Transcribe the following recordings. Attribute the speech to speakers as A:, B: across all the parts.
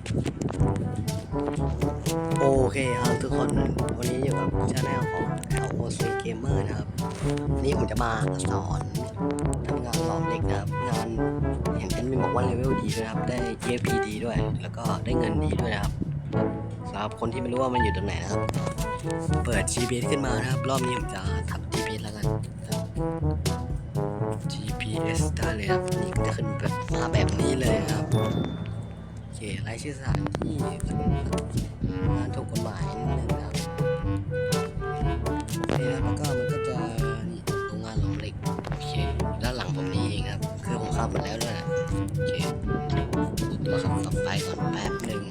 A: โอเคครับทุกคนวันนี้อยู่กับชาแนลของ LOC Gamer นะครับวันนี้ผมจะมาสอนทำงานหลอมเหล็กนะครับงานเห็นแอดมินบอกว่าเลเวลดีด้วยนะครับได้ EXP ดีด้วย แล้วก็ได้เงินดีด้วยนะครับสำหรับคนที่ไม่รู้ว่ามันอยู่ตรงไหนนะครับเปิด GPS ขึ้นมานะครับรอบนี้ผมจะทับ GPS แล้วกัน GPS ได้เลยครับนี่จะขึ้นแบบมาแบบนี้เลยนะครับโอเครายชื่อสถานที่งานถูกกฎหมายนิดนึงนะครับโอเคแล้วก็มันก็จะนี่โรงงานหลอมเหล็กโอเคด้านหลังผมนี่เองครับคือผมขับมาแล้วด้วยนะโอเคตัวขับต่อไปก่อนแป๊บหนึ่ง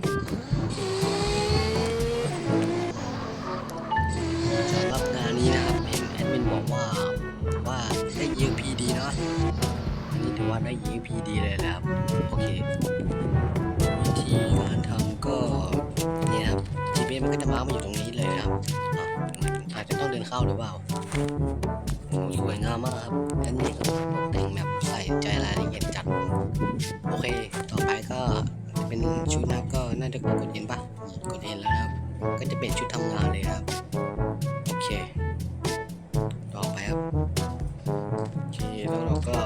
A: สำหรับงานนี้นะครับเห็นแอดมินบอกว่าได้ EXP ดีเนาะอันนี้ถือว่าได้ EXP ดีเลยนะครับโอเควิธีการทำก็เนี่ยครับ GPS มันก็จะมาร์กมาอยู่ตรงนี้เลยนะครับอาจจะต้องเดินเข้าหรือเปล่าโอ้สวยงามมากครับอันนี้ก็ตกแต่งแบบใส่ใจรายละเอียดจัดโอเคต่อไปก็เป็นชุดนะครับก็น่าจะกดเห็นปะกดเห็นแล้วนะครับก็จะเป็นชุดทำงานเลยนะครับโอเคต่อไปครับโอเคแล้วเราก็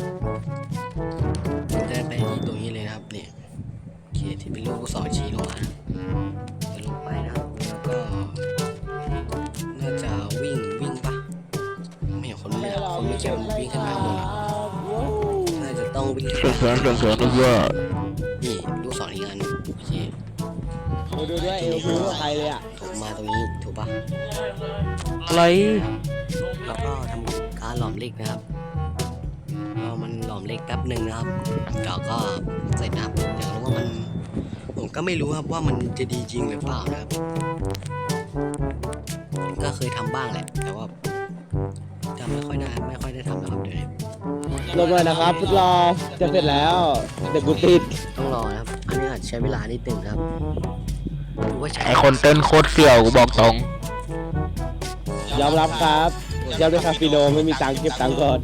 A: ได้ไปที่ตรงนี้เลยนะครับเนี่ยโอเคที่เป็นลูกศรชี้ลงมาจะลงไปนะครับแล้วก็น่าจะวิ่งปะไม่เห็นคนเลยคนไม่เกี่ยววิ่งขึ้นมาข้างบนน่าจะต้องวิ่งขึ้นมานี่ลูกศรอีกอันโอเค
B: ดูด้วยเอลฟิวใครเลยอ่ะ
A: ถูกมาตรงนี้ถูกปะ
C: อะไร
A: แล้วก็ทำการหลอมเหล็กนะครับรอมันหลอมเหล็กแป๊บหนึ่งนะครับเดี๋ยวก็เสร็จนะครับเดี๋ยวรู้ว่ามันผมก็ไม่รู้ครับว่ามันจะดีจริงหรือเปล่านะครับก็เคยทำบ้างแหละแต่ว่าจำไม่ค่อยได้ทำนะครับเดี๋ยวนี้
B: ลงเลยนะครับฟุตรอจะเสร็จแล้วเด็กกูติด
A: ต้องรอนะครับอันนี้อาจใช้เวลานิดหนึ่งครับหรือว่าใช้
C: ไอคนเต้นโคตรเสี่ยวกูบอกตรง
B: ยอมรับครับยอมด้วยคาฟิโนไม่มีตังค์เก็บตังค์ก่อน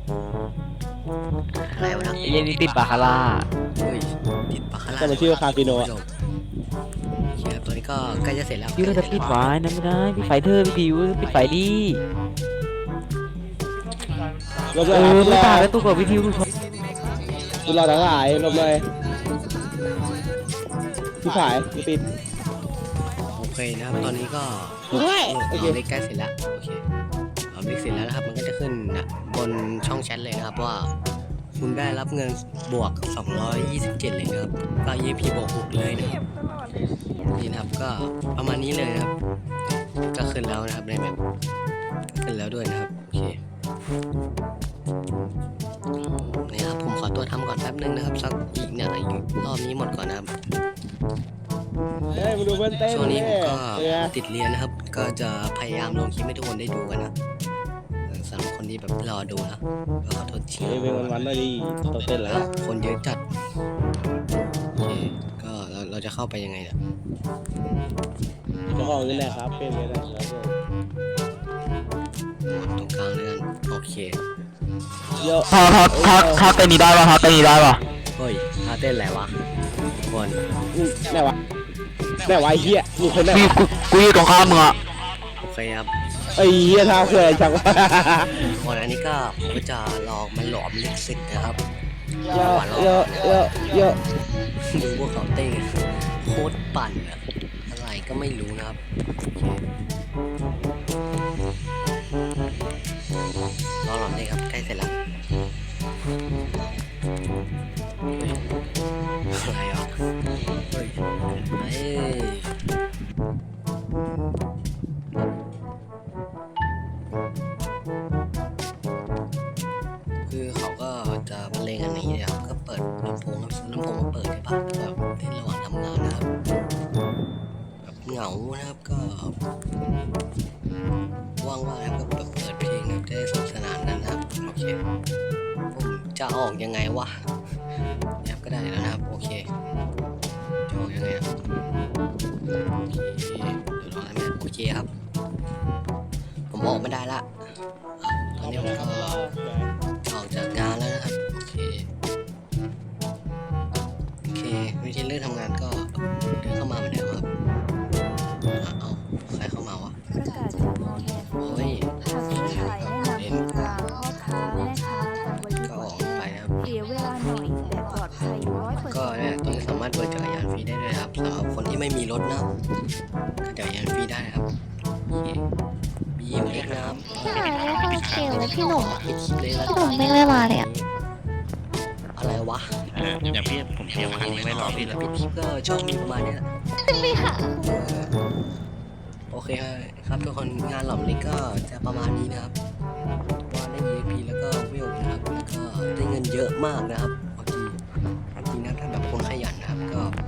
A: อะไรวะนะ
C: ไอเย็นนี่ติดบาคาร่า
A: เฮ้ยติดปากคารา
B: ก็มาชื่อคาฟิโน
A: โอเคครับตัวนี้ก็ใกล้จะเสร็จแล้ว
C: พี่เราจะปิดไว้นะไม่ได้ปิดไฟเธอพี่บิวปิดไฟดิ
B: ลงเลยครับฟุตร
C: ไม่
B: อ
C: ตายแล้วตัวกับวิทยุ
B: ฟุตรอทั้งหลายลงเลยพี่ขายกูติด
A: โอเคนะครับตอนนี้ก็
B: ด้วย
A: ห
B: โอ
A: ล
B: เค
A: อมเหล็กใกล้เสร็จแล้วโอเคหลอมเหล็กเสร็จแล้วนะครับมันก็จะขึ้นนะบนช่องแชทเลยนะครับว่าคุณได้รับเงินบวก227เลยนะครับก็ EP บวก6เลยนะครับนี่นะครับก็ประมาณนี้เลยนะครับก็ขึ้นแล้วนะครับในแมปขึ้นแล้วด้วยนะครับโอเคนี่ครับผมขอตัวทำก่อนแป๊บนึงนะครับสักอีกเนี่ยอีกรอบนี้หมดก่อนนะครับ
B: เฮ้ยมาดูเพื่อนเต้น
A: ช่วงนี้ผมก็
B: เนี่ย
A: ติดเรียนนะครับ ก็จะพยายามลงคลิปให้ทุกคนได้ดูกันนะสำหรับคนที่แบบรอดูนะก็ขอโทษที
B: เฮ้ยเป็นวันๆหน่อยดิต้องเต้นแล้ว
A: คนเยอะจัดโอเคก็เราจะเข้าไปยังไงเนี่ย
B: เจ้าของนี่แหละครับเป็นไงนะครับ
A: หมดตรงกลางเลยกันโอเค
B: เยอะ
C: ถ้าเต้นนี้ได้ป่ะถ้าเต้นนี้ได้ป่ะ
A: เฮ้ยท่าเต้นอะไรวะทุกคน
B: ไหนวะไหนวะไอ้เหี้ยมีคนไหน
C: พี่
B: วะ
C: กูอยู่ตรงข้ามมึงอะ
A: โอเคครับ
B: ไอ้เหี้ยท่าเคยจังวะ
A: ทุกคนอันนี้ก็ผมก็จะลองมันหลอมลิขสิทธิ์นะครับ
B: เยอะเยอะเยอะเยอะ
A: ดูพวกเขาเต้นโคตรปั่นอะอะไรก็ไม่รู้นะครับรอหลอมเลยครับใกล้เสร็จแล้วอะไรอ่ะเฮ้ยเฮ้ยคือเขาก็จะบรรเลงอันนี้นะครับก็เปิดลำโพงมาเปิดใช่ปะแบบเล่นระหว่างทำงานนะครับแบบเหงานะครับก็ว่างๆนะครับก็เปิดเพลงนะครับจะได้สนุกสนานกันนะครับโอเคผมจะออกยังไงวะเนี่ยก็ได้แล้วนะครับโอเคจะออกยังไงครับโอเคเดี๋ยวลองนะโอเคครับผมออกไม่ได้ละตอนนี้ผมก็ออกจากงานแล้วนะครับโอเควิธีเลือกทำงานก็โอก็เนี่ยตัวนี้สามารถเปิดจักรยานฟรีได้ด้วยครับสำหรับคนที่ไม่มีรถนะก็จักรยานฟรีได้นะครับBMX นะครับ
D: พี่หายไม่เข้าเกมเลยพี่หนุ่ม
A: ปิดคลิปเลยแล้ว
D: พี่หนุ่มไม่มาเลยอะ
A: อะไรวะ
E: อย่างพี่ผมเตรียมคันยังไม่รอพี่เลย
A: ปิดคลิปก็ช่องมีประมาณเนี้ย
D: พี่ค่ะ
A: โอเคครับทุกคนงานหล่อมเล็กก็จะประมาณนี้นะครับว่าได้ EXP แล้วก็วิวนะครับแล้วก็ได้เงินเยอะมากนะครับบางทีจริงนะถ้าแบบคนขยันนะครับ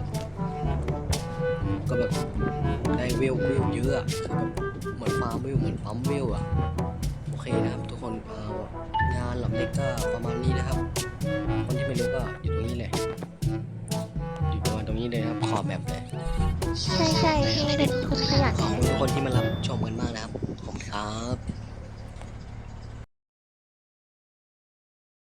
A: ก็แบบได้วิวเยอะอะคือแบบเหมือนฟาร์มวิวเหมือนปั๊มวิวอะโอเคนะครับทุกคนงานหล่อมเล็กก็ประมาณนี้นะครับ คนที่ไม่รู้ก็อยู่ตรงนี้เลยอยู่ประมาณตรงนี้เลยนะครับขอบแบบเลย
D: ใช่พี่เป็นคนขยัน
A: ขอบคุณทุกคนที่มารับชมกันมากนะครับขอบคุณครับ